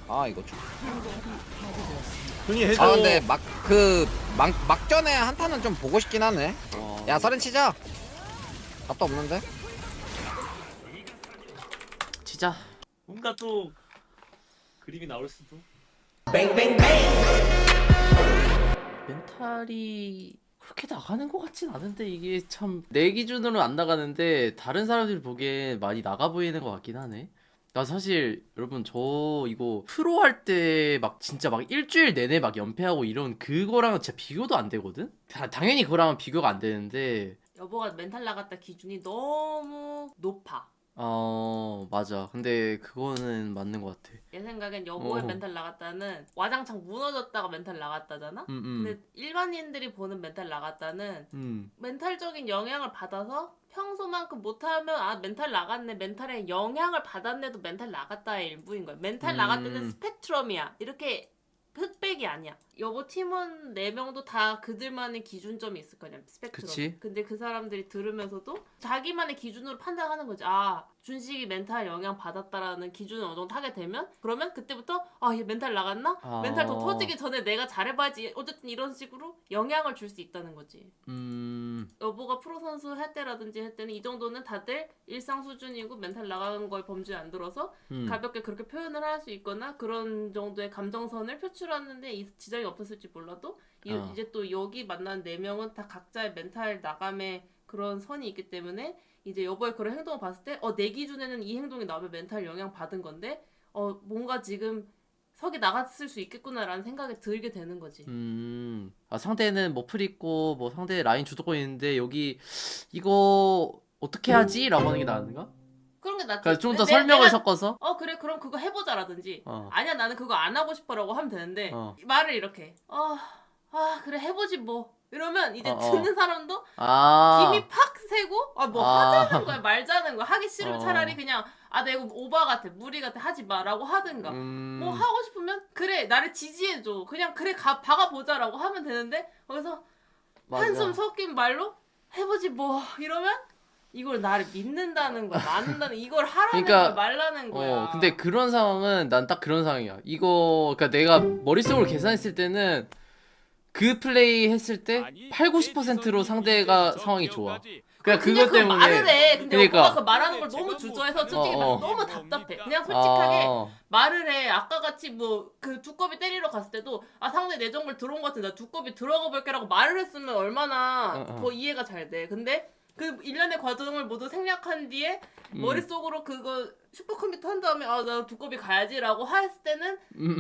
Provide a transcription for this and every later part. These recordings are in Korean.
아 이거 형이 해줘. 아 근데 막전에 한타는 좀 보고 싶긴 하네. 야 서른 치자. 답도 없는데. 진짜 뭔가 또 그림이 나올 수도. 멘탈이 그렇게 나가는 것 같진 않은데 이게 참 내 기준으로는 안 나가는데 다른 사람들이 보기엔 많이 나가 보이는 것 같긴 하네. 나 사실 여러분 저 이거 프로 할 때 막 진짜 막 일주일 내내 막 연패하고 이런 그거랑은 진짜 비교도 안 되거든? 당연히 그거랑은 비교가 안 되는데 여보가 멘탈 나갔다 기준이 너무 높아. 맞아. 근데 그거는 맞는 것 같아. 내 생각엔 여보의 어. 멘탈 나갔다는 와장창 무너졌다가 멘탈 나갔다잖아? 근데 일반인들이 보는 멘탈 나갔다는 멘탈적인 영향을 받아서 평소만큼 못하면 아 멘탈 나갔네, 멘탈에 영향을 받았네도 멘탈 나갔다의 일부인 거야. 멘탈 나갔다는 스펙트럼이야. 이렇게 흑백이 아니야. 여보 팀원 4명도 다 그들만의 기준점이 있을 거냐, 스펙트럼. 그치. 근데 그 사람들이 들으면서도 자기만의 기준으로 판단하는 거지. 아, 준식이 멘탈 영향 받았다라는 기준을 어느 정도 하게 되면 그러면 그때부터 아, 얘 멘탈 나갔나? 멘탈 더 터지기 전에 내가 잘해봐야지. 어쨌든 이런 식으로 영향을 줄 수 있다는 거지. 여보가 프로 선수 할 때라든지 할 때는 이 정도는 다들 일상 수준이고 멘탈 나가는 거에 범주에 안 들어서 가볍게 그렇게 표현을 할 수 있거나 그런 정도의 감정선을 표출하는데 이 지장이 없었을지 몰라도 이제 또 여기 만난 4명은 다 각자의 멘탈 나감의 그런 선이 있기 때문에 이제 여보의 그런 행동을 봤을 때 내 기준에는 이 행동이 나오면 멘탈 영향 받은 건데 뭔가 지금 석이 나갔을 수 있겠구나라는 생각이 들게 되는 거지. 상대는 뭐 풀 있고 뭐 상대 라인 주도권 있는데 여기 이거 어떻게 하지? 라고 하는 게 나은가? 그런 게 낫지. 그러니까 좀 더 설명을 섞어서 그래 그럼 그거 해보자라든지 어. 아니야 나는 그거 안 하고 싶어라고 하면 되는데 말을 이렇게 그래 해보지 뭐 이러면 이제 듣는 사람도 김이 팍 새고 뭐 하자는 거야 말자는 거야. 하기 싫으면 차라리 그냥 나 이거 오바 같아 무리 같아 하지 마라고 하든가 뭐 하고 싶으면 그래 나를 지지해줘 그냥 그래 박아보자라고 하면 되는데 거기서 한숨 섞인 말로 해보지 뭐 이러면 이걸 나를 믿는다는 거야 맞는다는 이걸 하라는 그러니까, 거야 말라는 거야. 근데 그런 상황은 난 딱 그런 상황이야. 이거 그러니까 내가 머릿속으로 계산했을 때는 그 플레이 했을 때 8, 90%로 상대가 상황이 좋아. 그냥 그것 때문에 말을 해. 근데 그러니까. 오빠가 그 말하는 걸 너무 주저해서 솔직히 말해서 너무 답답해. 그냥 솔직하게 말을 해. 아까 같이 뭐 그 두꺼비 때리러 갔을 때도 상대 내 정글 들어온 것 같은데 나 두꺼비 들어가 볼게라고 말을 했으면 얼마나 더 이해가 잘 돼. 근데 그 일련의 과정을 모두 생략한 뒤에 머릿속으로 그거 슈퍼컴퓨터 한 다음에 나 두꺼비 가야지라고 했을 때는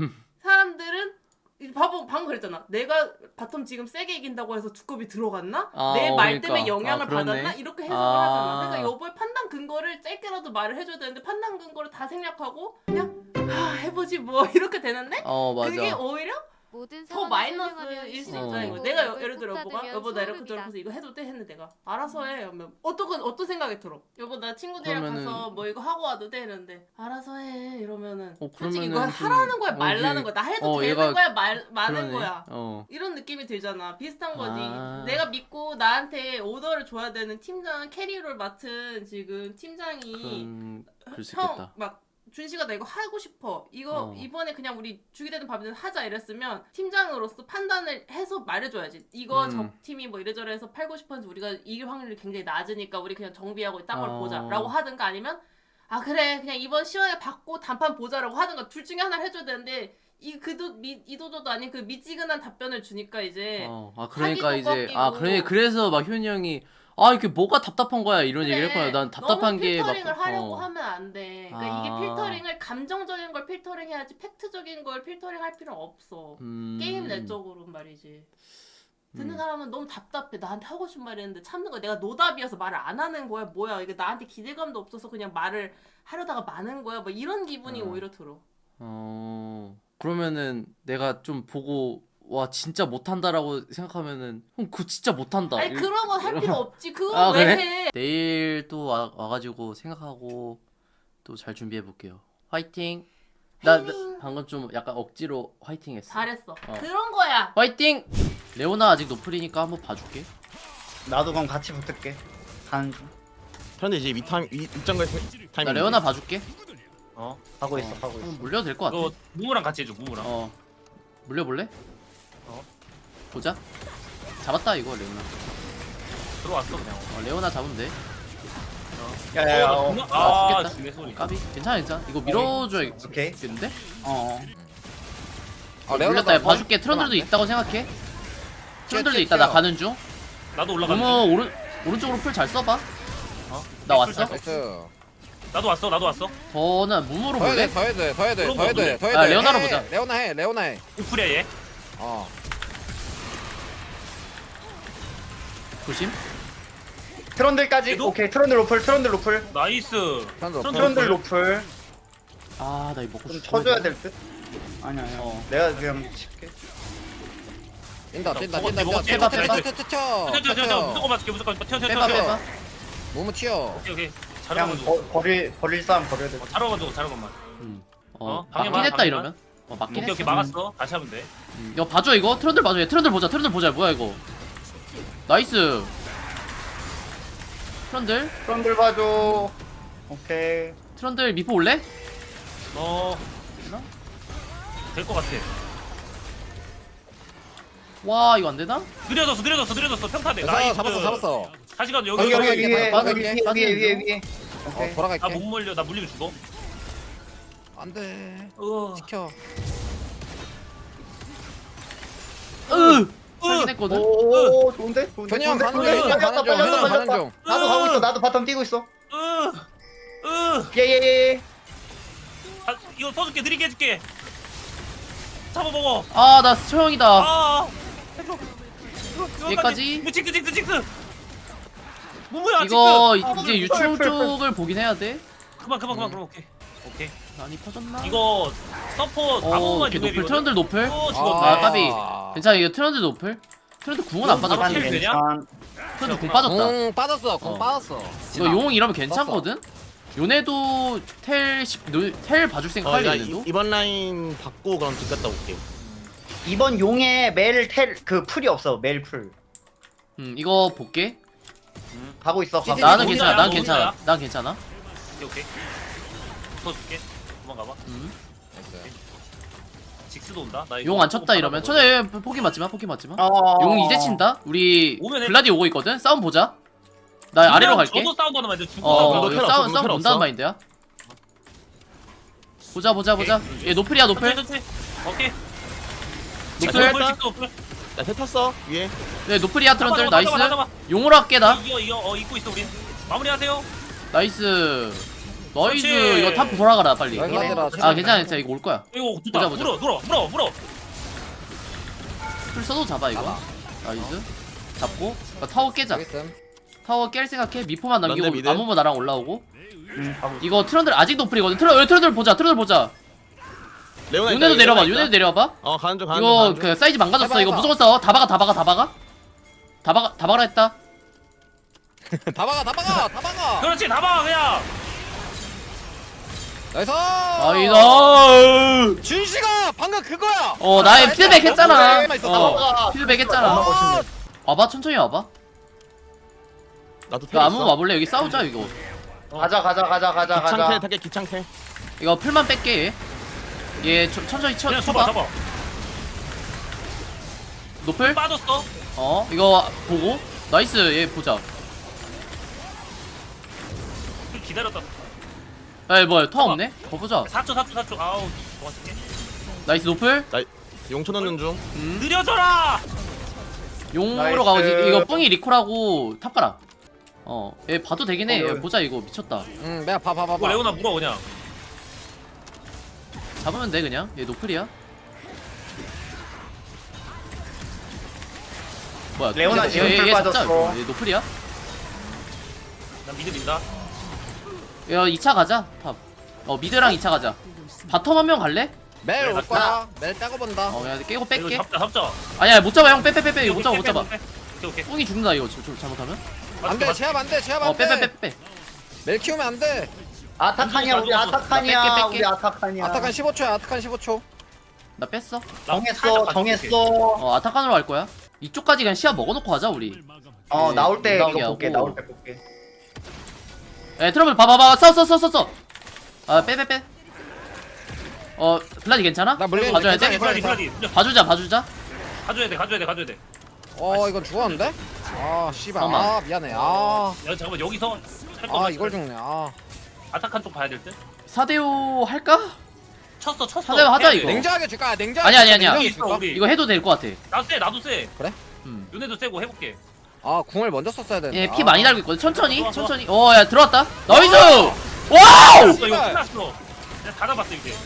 사람들은 방금 그랬잖아. 내가 바텀 지금 세게 이긴다고 해서 두꺼비 들어갔나? 내 말 때문에 영향을 받았나? 이렇게 해석을 하잖아. 그러니까 여보의 판단 근거를 짧게라도 말을 해줘야 되는데 판단 근거를 다 생략하고 그냥 해보지 뭐 이렇게 되는데 맞아. 그게 오히려 더 마이너스일 수 있다는 거야. 내가 예를 들어 여보 나 이렇게 저렇게 이거 해도 돼? 했는데 내가 알아서 해. 그러면 어떤 생각이 들어? 여보 나 친구들이랑 가서 뭐 이거 하고 와도 돼? 이러는데 알아서 해 이러면은 솔직히 이거 하라는 거야 말라는 거야. 나 해도 되는 거야 마는 거야. 이런 느낌이 들잖아. 비슷한 거지. 내가 믿고 나한테 오더를 줘야 되는 팀장 캐리를 맡은 지금 팀장이 그럴 수 있겠다. 막 준식아 나 이거 하고 싶어. 이거 이번에 그냥 우리 주게 되는 밥이든 하자 이랬으면 팀장으로서 판단을 해서 말해줘야지. 이거 저 팀이 뭐 이래저래 해서 팔고 싶었는데 우리가 이길 확률이 굉장히 낮으니까 우리 그냥 정비하고 딴 걸 보자 라고 하든가 아니면 그래 그냥 이번 시간에 받고 단판 보자라고 하든가 둘 중에 하나를 해줘야 되는데 이도저도 아닌 그 미지근한 답변을 주니까 이제 그러니까 이제 꺾이고. 그래서 막 효은이 형이 이게 뭐가 답답한 거야 이런 얘기를 했구나. 난 답답한 게 막 필터링을 하려고 하면 안 돼. 그러니까 이게 필터링을 감정적인 걸 필터링 해야지 팩트적인 걸 필터링 할 필요는 없어. 게임 내적으로 말이지. 듣는 사람은 너무 답답해. 나한테 하고 싶은 말이 있는데 참는 거야. 내가 노답이어서 말을 안 하는 거야. 뭐야 이게 나한테 기대감도 없어서 그냥 말을 하려다가 마는 거야. 뭐 이런 기분이 오히려 들어. 그러면은 내가 좀 보고 와 진짜 못한다라고 생각하면은 형 그거 진짜 못한다. 아니 그런 건 할 필요 없지. 그거 왜 그래? 해? 내일 또 와가지고 생각하고 또 잘 준비해 볼게요. 화이팅. 나 방금 좀 약간 억지로 화이팅 했어. 잘했어. 그런 거야. 화이팅. 레오나 아직 노플이니까 한번 봐줄게. 나도 그럼 같이 붙을게. 가는 중. 현재 이제 입장갈 타이밍. 나 레오나 봐줄게. 가고 있어 가고 그럼 있어. 물려도 될 것 같아. 너 무무랑 같이 해줘 무무랑. 물려볼래? 어. 보자. 잡았다 이거 레오나. 들어왔어 그냥. 레오나 잡으면 돼. 야야야. 아 죽겠다. 죽네 소리. 까비. 괜찮아 괜찮아. 이거 밀어줘야겠는데? 오케이. 물렸다. 봐줄게. 트런들도 있다고 생각해. 트런들도 있다. 나 가는 중. 나도 올라가. 너무 오른쪽으로 풀 잘 써봐. 나 왔어? 나이스. 나도 왔어. 저는 무무로 더 해야 볼래? 돼, 더 해야 돼, 더 해야 돼, 그런 더 해야 거 돼, 더 해야 돼. 아, 레오나로 해, 보자. 레오나 해. 우프리야 얘. 어. 조심. 트런들까지. 얘도? 오케이 트런들 로플. 나이스. 트런들 로플. 아, 나 이거 먹고 좀 싶어. 쳐줘야 될 듯. 아니야. 내가 그냥 칠게. 뛴다. 먹었지. 튀어. 튀어. 무조건 맞을게. 무조건 튀어. 빼봐. 무무 튀어. 오케이. 그냥 잘하가지고. 버릴 싸움 버려야 돼. 잘하가지고. 막긴 방해만, 했다 방해만. 이러면. 막긴 오케이 했어. 막았어. 다시 하면 돼. 이거 봐줘 이거. 트런들 봐줘. 얘 트런들 보자. 뭐야 이거. 나이스. 트런들. 트런들 봐줘. 오케이. 트런들 미포 올래? 될 것 같아. 와 이거 안 되나? 느려졌어. 평타돼. 나이스. 잡았어. 다시 가도 여기 여기. 위에 빠질게. 위에. 오케이. 돌아갈게. 나못 몰려. 나 물리면 죽어. 안돼. 어. 지켜. 살긴 했거든. 오 좋은데? 현이 형 가는 좋은데? 중. 가는 중. 나도 가고 있어. 나도 바텀 뛰고 있어. 으. 예예예. 아, 이거 써줄게. 느리게 해줄게. 잡아먹어. 아 나 처형이다. 아. 얘까지? 칙스. 뭐야? 이거 칙스. 이제 유충 쪽을 보긴 해야 돼. 그만. 그럼 오케이. 많이 퍼졌나? 이거 서포트 아무만 오케이 노플 트런들 노플. 죽었네. 아 까비. 괜찮아 이거 트런들 노플. 트런들 궁은 안 바로 빠졌지. 킬 되냐? 트런들 궁 빠졌다. 공 빠졌어. 공 어. 빠졌어. 이거 용 이러면 괜찮거든. 요네도 텔 봐줄 생각하지 얘네도. 이번 라인 받고 그럼 집 갔다 올게. 이번 용에 그 풀이 없어. 멜 풀. 이거 볼게. 가고 있어. 가고 나는 있어. 괜찮아. 어디야? 난 괜찮아. 난 괜찮아. 오케이. 써줄게. 도망가봐. 직스도 온다. 나 이거 용 안 쳤다 이러면 천에 포기 맞지 마. 용 이제 친다. 우리 오면 해. 블라디 오고 있거든. 싸움 보자. 나 아래로 갈게. 저도 싸운다 하는 말인데 죽고 어, 텔 이거 없어, 싸움 텔 본다는 없어. 마인드야. 보자. 얘 노플이야 노플. 오케이. 노플. 노플. 나텔 탔어 위에. 네 노플이야 트런들 잡아, 나이스. 잡아, 잡아. 용으로 할게 나. 이거 입고 있어 우리. 마무리하세요. 나이스. 그렇지. 이거 탑 돌아가라 빨리. 나이스 하더라. 아 괜찮아 이거 올 거야. 이거 좋다. 보자. 물어. 풀 써도 잡아 이거. 나이스. 잡고 타워 깨자. 타워 깰 생각해. 미포만 남기고 런데 미드. 아무모 나랑 올라오고. 가고 있어. 이거 트런들 아직 노플이거든. 트런들 보자. 레오나 있다, 요네도 내려봐. 있다. 요네도 내려봐. 가는 중. 이거 그 사이즈 망가졌어. 해봐, 이거 해봐. 무조건 싸워. 다 박아 했다. 다 박아. 그렇지. 나봐 그냥. 나이스. 아이다. 준식아 방금 그거야. 나의 피드백 했잖아. 나이스, 나이스. 피드백 했잖아. 와봐 천천히 와봐. 나도 텔 야 아무 있어. 와볼래? 여기 싸우자 이거. 가자. 기창텔 타게 기창텔. 이거 풀만 뺄게. 얘 천천히 그냥 쳐봐. 잡아. 노플? 빠졌어. 이거 보고 나이스. 얘 보자. 기다렸다. 야 뭐야 터 없네? 보자. 4초. 아우 도와줄게. 나이스 노플. 용초 넣는 중. 느려져라. 용으로 나이스. 가고 이거 뿡이 리콜하고 탑 가라. 얘 봐도 되긴 해. 여기. 야, 보자 이거 미쳤다. 내가 봐봐. 이거 레오나 물어 그냥. 잡으면 돼 그냥. 얘 노플이야. 뭐야? 레오나 지금 풀 잡자, 빠졌어. 이거. 얘 노플이야? 난 미드 민다. 야 2차 가자. 탑. 미드랑 2차 가자. 바텀 한 명 갈래? 멜 올 거야. 멜 따고 본다. 야 깨고 이거 뺄게. 잡자. 아니야 못 잡아 형. 빼. 이거 못 잡아. 오케이. 뿡이 죽는다 이거 잘못하면. 안돼. 제압 안돼. 빼. 멜 키우면 안돼. 아타칸이야 우리 아타칸이야. 뺄게. 우리 아타칸이야. 아타칸 15초야. 나 뺐어. 정했어. 아타칸으로 갈 거야. 이쪽까지 그냥 시야 먹어놓고 하자 우리. 나올 때 나오게 이거 볼게. 하고. 나올 때 볼게. 트러블 봐봐. 써. 빼. 블라디 괜찮아? 나 물리는데 봐줘야 돼? 괜찮아. 블라디 봐주자 가져야 돼. 이건 죽었는데? 아 씨발 잠깐만. 아 미안해 아 야 잠깐만 여기서 할 거면 이걸 죽네 아 아타칸 쪽 봐야 될 듯. 4대5 할까? 쳤어. 4대5 하자 해야 돼. 이거 냉정하게 줄까 냉정하게 아니야, 아니야, 아니야. 냉정하게 있어, 줄까? 우리. 이거 해도 될 것 같아. 나도 세. 음. 요네도 세고 해볼게. 아 궁을 먼저 썼어야 되는데 얘 피 많이 달고 있거든. 천천히 좋아. 천천히. 야 들어왔다. 나이스. 어! 와우. 끝났어 이거 끝났어. 내가 다 잡았어 이제.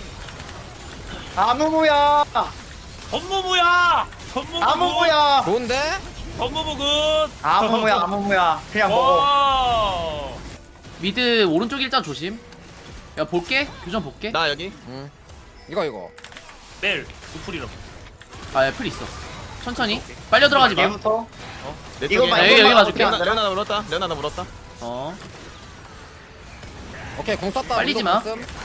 아무무야. 전무부야. 아무무야. 좋은데? 전무부 굿. 아무무야. 그냥 먹어. 와. 미드 오른쪽 일자 조심. 야 볼게. 교전 볼게. 나 여기. 이거 멜 우풀이랑. 풀 있어. 천천히. 빨려 들어가지 마. 얘부터. 내 이거만, 쪽에. 여기 봐줄게. 레오나 나 물었다. 오케이 공 썼다 빨리지 운동 마. 공 쓴.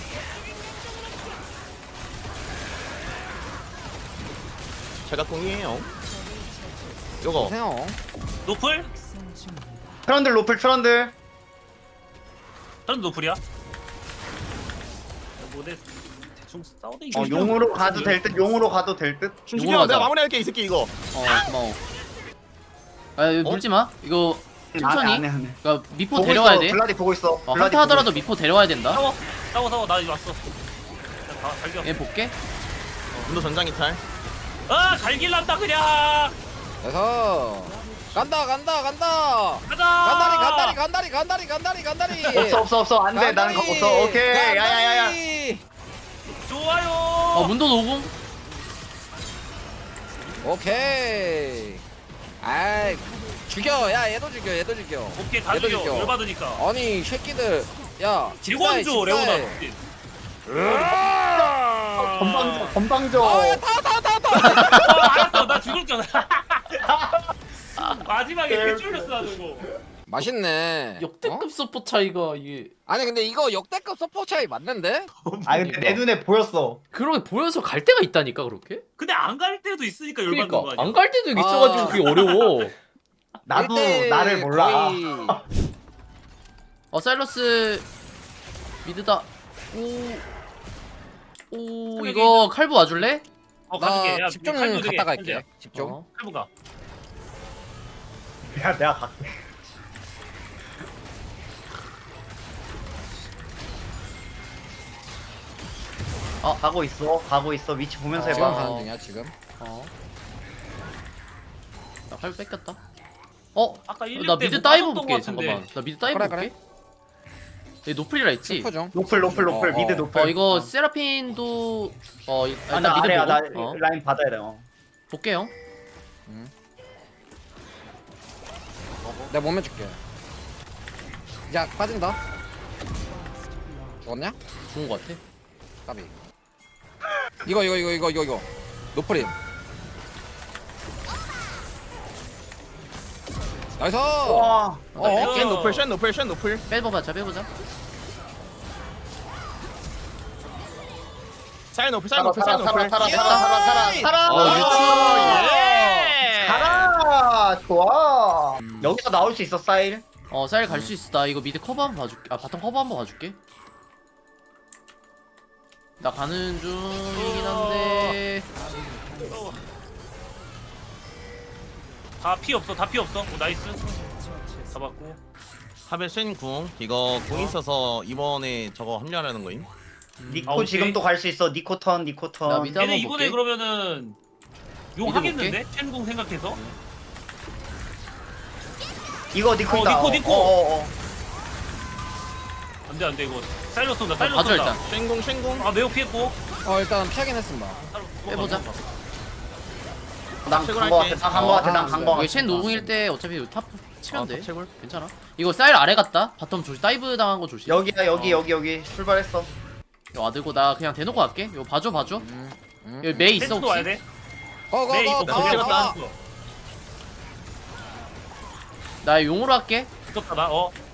제가 공이에요. 요거. 보세요 노플? 트런들 로플 트런들. 저는 노플이야. 뭐내 대충 싸우다 이거. 용으로 가도 될 듯. 용으로 가도 될 듯. 준식이 요거 형 내가 하자. 마무리할게 이 새끼 이거. 고마워. 이거 물지 마. 이거 천천히. 안 해. 그러니까 미포 보고 데려와야 있어. 돼. 블라디 보고 있어. 블라디 한타 보고 하더라도 미포 데려와야 된다. 싸워 나 이제 왔어. 다 갈겨. 얘 볼게. 문도 전장이 탈. 잘 길란다 그냥. 그래서 간다 가자. 간다리 없어. 안 돼. 나는 거 없어. 오케이. 야야야야. 좋아요. 문도 노궁. 오케이 아이 죽여 야 얘도 죽여 오케이 다 얘도 죽여. 죽여. 열받으니까. 아니 새끼들 야 집사해 직원조 레오나. 건방져. 알았어 나 죽을 줄 알았어. 마지막에 개쫄렸어 나 저거. 맛있네 역대급 서포 차이가 이게. 아니 근데 이거 역대급 서포 차이 맞는데? 아 근데 내 눈에 보였어. 그러게 보여서 갈 때가 있다니까 그렇게? 근데 안 갈 때도 있으니까 열받는 거 그러니까 아니야. 안 갈 때도 있어가지고 그게 어려워. 나도 일대 나를 몰라. 거의 사일러스 미드다. 오 이거 칼부 와줄래? 가줄게. 나 야, 집중 칼부 되게, 갔다 갈게 현재야. 집중 칼부가. 야 내가 갈게. 가고 있어. 위치 보면서 지금 해봐. 가는 중이야 지금 나 칼부 뺏겼다. 아까 1, 나 미드 다이브 볼게. 잠깐만. 나 미드 다이브 그래, 볼게. 얘 노플이라 했지. 슬프 중 노플 미드 노플. 이거 세라핀도 일단 나 미드 아래야. 나 보고. 라인 받아야 돼. 볼게 형. 내가 몸에 줄게 야 빠진다 죽었냐? 좋은 거 같아. 까비 이거 노프림 나이스 와. 쉔 노플. 빼보자. 사이 노플. 살아. 예. 가라. 좋아. 여기서 나올 수 있어 사일. 사일 갈 수 있어. 나 이거 미드 커버 한번 봐줄게. 바텀 커버 한번 봐줄게. 나 가는 중이긴 한데. 다 피 없어. 오, 나이스. 잡았고. 하벨 쉔궁 이거 궁 있어서 이번에 저거 합류하려는 거임. 니코 오케이. 지금 또 갈 수 있어. 니코 턴. 나 미드 얘네 한번 이번에 볼게. 그러면은 용 미드 하겠는데? 첸공 생각해서. 이거 니코 있다. 니코. 안돼 이거. 사일러스 온다. 봐줘 일단. 쉔궁. 아 매우 피했고. 일단 피하긴 했습니다 빼보자. 난간거 같아. 난간거 같아. 이거 쉔 노궁일 때 어차피 탑 치면 돼. 채굴. 괜찮아. 이거 사일 아래 갔다. 바텀 조심. 다이브 당한 거 조심. 여기야 여기 출발했어. 이거 와들고 나 그냥 대놓고 갈게. 이거 봐줘. 여기 메이 있어 펜스도 와야 혹시? 돼. 네 이거 고고고 다 나 용으로 할게. 무섭다 나.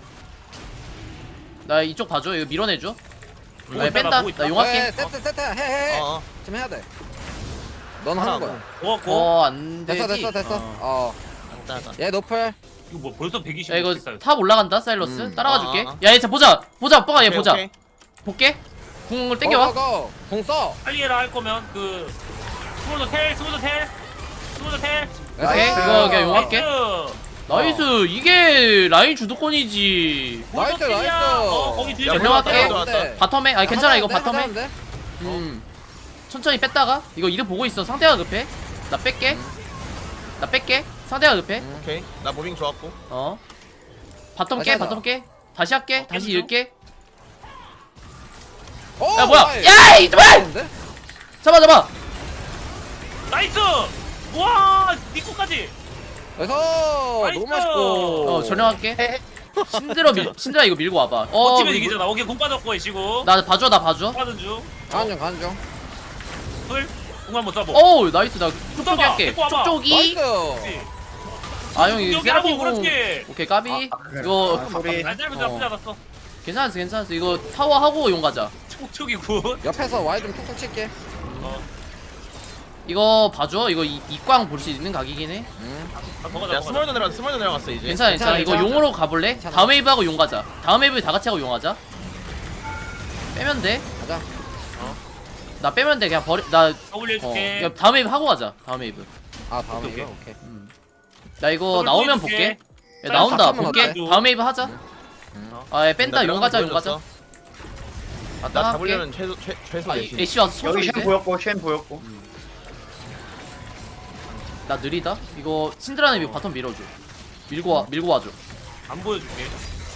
나 이쪽 봐줘. 이거 밀어내줘. 보고 나 있다, 뺀다. 보고 있다. 나 용할게. 세트 해 지금 해야 돼넌 하는 거야 고맙고. 안 되지. 됐어 얘 노플 이거 뭐 벌써 120. 야 이거 탑 올라간다 사일러스. 따라가 줄게. 아. 야 얘 보자. 뻥아 얘 보자. 볼게. 궁을 땡겨와. 공 써. 빨리 해라 할 거면 그 스몰더 텔. 오케이 이거 그냥 용할게. 나이스. 나이스. 이게 라인 주도권이지. 나이스, 나이스. 거기 뒤에 야, 올라갈게. 올라왔다. 바텀에 아니 괜찮아 이거 하자는데, 바텀에. 하자는데? 천천히 뺐다가 이거 이득 보고 있어. 상대가 급해. 나 뺄게. 상대가 급해. 오케이. 나 무빙 좋았고. 바텀 다시 깨. 하자. 바텀 깨. 다시 할게. 다시 읽게. 오, 야 뭐야? 나이스. 야 이놈아! 좋은데? 잡아. 나이스. 와 니코까지. 그래서 너무 맛있고. 전령할게. 신드라 이거 밀고 와봐. 버티면 이기잖아. 오케이 공 빠졌고 애쉬고. 나 봐줘. 빠진 중. 가는 중. 풀. 공 한번 쏴보. 어우 나이스. 나 쪽쪽이 봐봐, 할게. 데리고 와봐. 쪽쪽이. 나이스. 아 형 이거 여기 하고 세라핀 공. 그렇지. 오케이 까비. 그래. 이거 아, 소리. 안 짧은 나쁘지 않았어. 괜찮았어. 이거 타워 하고 용 가자. 촉촉이 굿. 옆에서 와이 좀 툭툭 칠게. 이거 봐줘. 이거 이광 볼 수 있는 각이긴 해. 야 스몰도 내려갔어 이제. 괜찮아. 이거 괜찮아. 용으로 가볼래? 괜찮아. 다음 웨이브하고 용 가자. 다음 웨이브 다 같이 하고 용 하자. 빼면 돼. 가자. 나 빼면 돼. 그냥 나 올려줄게. 그냥 다음 웨이브 하고 가자. 다음 웨이브. 아, 다음에 오케이, 이거? 오케이. 나 이거 더블 나오면 보여줄게. 볼게. 야, 나온다. 잠깐만 볼게. 어때? 다음 웨이브 하자. 아, 뺀다. 용 가자. 나 갔다 할게. 잡으려면 최소 아, 내지. 애쉬 와서 쳐줘 여기 이제. 쉔 보였고. 나 느리다. 이거 신드라는 이 바텀 밀어줘. 밀고 와줘. 안 보여줄게.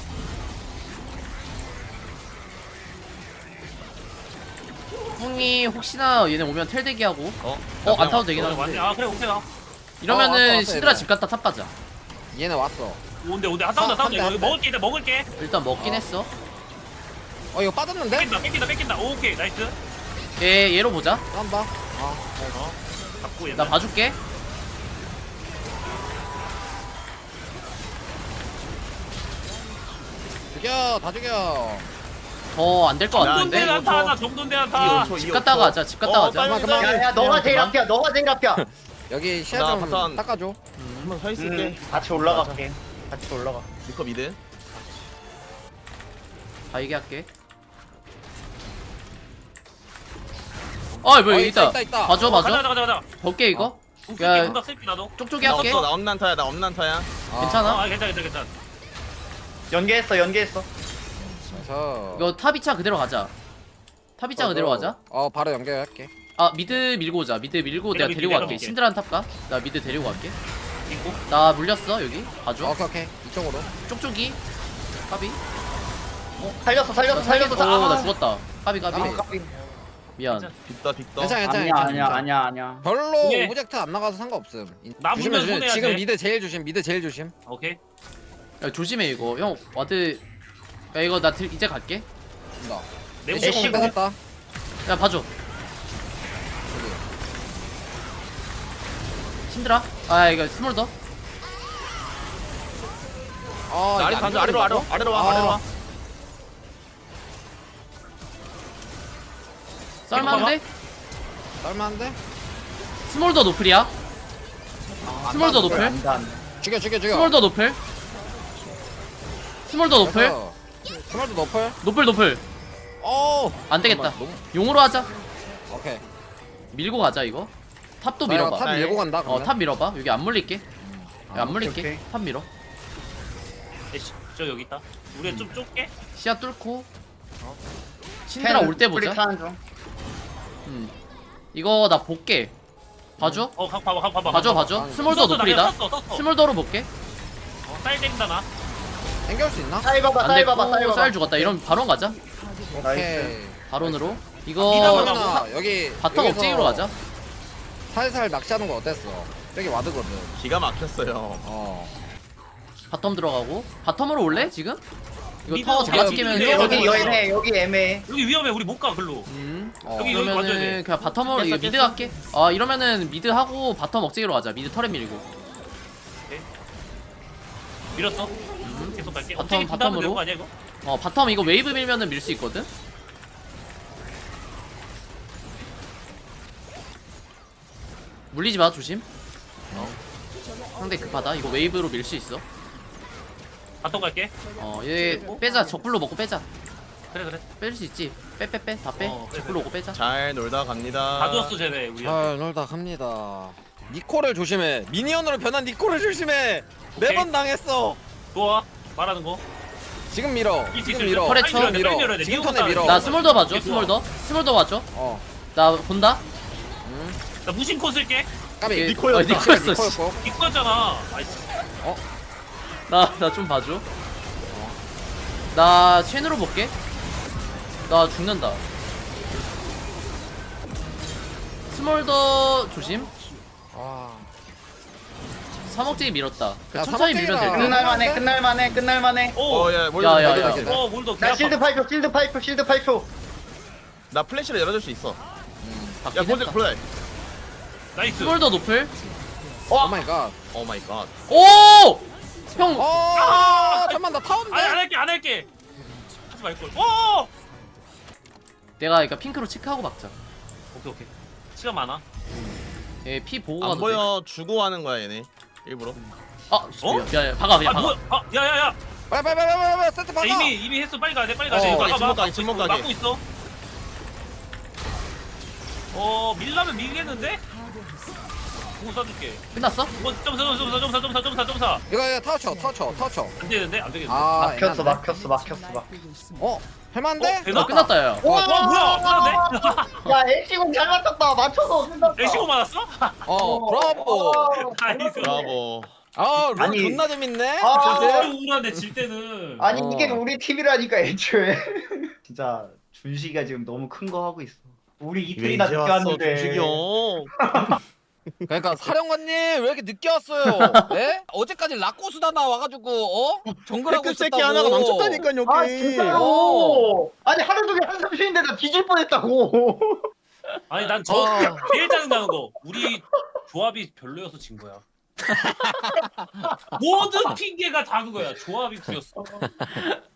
풍이 혹시나 얘네 오면 텔 대기하고. 안 타도 되긴 맞네. 하는데. 아 그래 오케이. 이러면은 왔어, 신드라 얘네. 집 갔다 탑 가자. 얘네 왔어. 온대. 아 싸운다. 한 대, 한 이거 대. 먹을게. 먹을게. 일단 먹긴 했어. 이거 빠졌는데? 뺏긴다. 오케이 나이스. 얘로 보자. 쌈봐. 잡고 얘. 나 봐줄게. 다 죽여. 더 안 될 것 정돈대 같은데. 한타 하나. 정돈대 한타. 집 갔다 가자. 집 갔다 가자. 그만, 그만. 야야 너가 제일 앞이야. 여기 시야 나 좀 바텀. 닦아줘. 한번 서 있을게. 같이 올라갈게. 같이 올라가. 리커 미드. 다 얘기할게. 뭐 여기 있다. 있다. 봐줘. 가자. 볼게 이거. 야. 야, 공각 쓸게 나도. 쪽쪽이 나 할게. 없어. 나 없는 한타야. 괜찮아. 괜찮아. 연계했어. 그래서 이거 탑 2차 그대로 가자. 탑 2차 그대로 가자. 바로 연결할게. 아 미드 밀고 오자. 미드 밀고 내가 밀게, 데리고 내가 갈게. 밀게. 신드란 탑가. 나 미드 데리고 갈게. 있고. 나 물렸어 여기. 봐줘. 오케이. 이쪽으로. 쪽쪽이. 까비. 살렸어. 나 죽었다. 까비. 미안. 빅더. 괜찮아. 아니야. 별로 네. 오브젝트 안 나가서 상관없음. 나 물면 손해야 지금 돼. 미드 제일 조심. 오케이. 야 조심해 이거. 형 와드. 야 이거 나 이제 갈게. 나. 내 애쉬 애쉬 공 뺏었다. 야 봐줘. 신드라. 이거 스몰 더. 아래로 와. 썰만한데? 쌀만한데? 스몰 더 노플이야. 스몰 더 노플. 안돼. 죽여. 스몰 더 노플. 스몰 더 노플. 그래서 스몰도 높을. 노플. 안 되겠다. 잠깐만, 용으로 하자. 오케이. 밀고 가자 이거. 탑도 나 이거 밀어봐. 탑 밀고 간다. 그러면. 탑 밀어봐. 여기 안 물릴게. 야, 안 물릴게. 오케이. 탑 밀어. 애쉬 저 여기 있다. 우리 좀 좁게. 시야 뚫고. 신드라 올 때 보자. 타는 중. 이거 나 볼게. 봐줘. 봐봐. 봐줘. 스몰더 노플이다. 스몰더로 볼게. 쌀 땡다 나. 당겨올 수 있나? 쌀 봐봐. 안 됐고 쌀 죽었다. 이러면 바론 가자. 오케이. 바론으로. 아, 이거 그러면은 여기 바텀 여기서 억제기로 가자. 살살 낚시하는 거 어땠어? 여기 와드거든. 기가 막혔어요. 바텀 들어가고. 바텀으로 올래 지금? 이거 미드 타워 어디야? 잡아 끼면 미드 여기 애매해. 여기 위험해. 우리 못 가 글로. 여기 봐줘야 그러면은 돼. 그냥 바텀으로 이거 미드 갈게. 이러면은 미드 하고 바텀 억제기로 가자. 미드 털에 밀고. 밀었어. 계속 갈게. 바텀, 어떻게 부담은 바텀으로. 되는 거 아니야 이거? 바텀 이거 웨이브 밀면은 밀 수 있거든. 물리지 마 조심. 상대 급하다. 이거 웨이브로 밀 수 있어. 바텀 갈게. 얘 빼자. 적불로 먹고 빼자. 그래. 뺄 수 있지. 빼. 다 빼. 어, 빼, 제플 오고 빼자. 잘 놀다 갑니다. 다 줬어 쟤네 우리. 잘 놀다 갑니다. 니코를 조심해. 미니언으로 변한 니코를 조심해. 매번 당했어. 좋아. 말하는 거. 지금 밀어. 이길 수 지금 있어, 밀어. 털에 빨리 쳐. 밀어야 돼, 밀어. 빨리 밀어야 돼. 지금 니코 턴에 밀어. 나 스몰더 봐줘. 이게 좋아. 스몰더 봐줘. 어. 나 본다. 나 무신코 쓸게. 까비. 니코였다. 니코였어. 씨. 니코였고. 니코였잖아. 나 좀 봐줘. 나 쉔으로 볼게. 나 죽는다. 스몰더 조심. 와. 사목제기 밀었다. 야, 천천히 밀면 될 듯. 끝날만해. 오. 야, 야, 야. 몰더. 나 실드 8초. 나 플래시를 열어줄 수 있어. 야, 바뀌긴 골드 했다. 플레이. 나이스. 스몰더 노플. 오 마이 갓. 오 마이 갓. 오! 형. 잠깐만 나 타운데. 안 할게. 하지 말걸. 오. 내가 그러니까 핑크로 체크하고 막자. 오케이. 시간 많아. 얘 피 보고 안 가도 돼. 보여 주고 하는 거야 얘네. 일부러. 아, 어? 야, 박아 그냥 아 박아. 뭐야? 야야야. 빨리 세트 박아. 이미 했어. 빨리 가야 돼. 어, 침묵 가게, 침묵 가게. 막고 있어. 밀라면 밀겠는데? 공 쏴줄게. 끝났어? 점사. 이거 타워 쳐. 안 되겠는데? 막혔어. 할만한데? 되나? 끝났다 야. 와 뭐야? 끝났네? 야, LC공 잘 맞췄다. 맞춰서 끝났다. 레시고 맞았어? 브라보. 나이스. 브라보. 룰 아니. 존나 재밌네. 우울한데 질 때는. 아니 어. 이게 우리 팀이라니까 애초에. 진짜 준식이가 지금 너무 큰 거 하고 있어. 우리 왜 이틀이나 이제 늦게 왔어 왔는데. 준식이 형. 그러니까 사령관님 왜 이렇게 늦게 왔어요? 예? 어제까지 라코스다나 와가지고 정글하고 백급 있었다고. 새끼 하나가 망쳤다니까 여기. 아 진짜로. 아니 하루 종일 한숨 쉬는데 나 뒤질 뻔했다고. 아니 난 제일 짜증나는 거 우리 조합이 별로여서 진 거야. 모든 핑계가 다 그거야. 조합이 구렸어.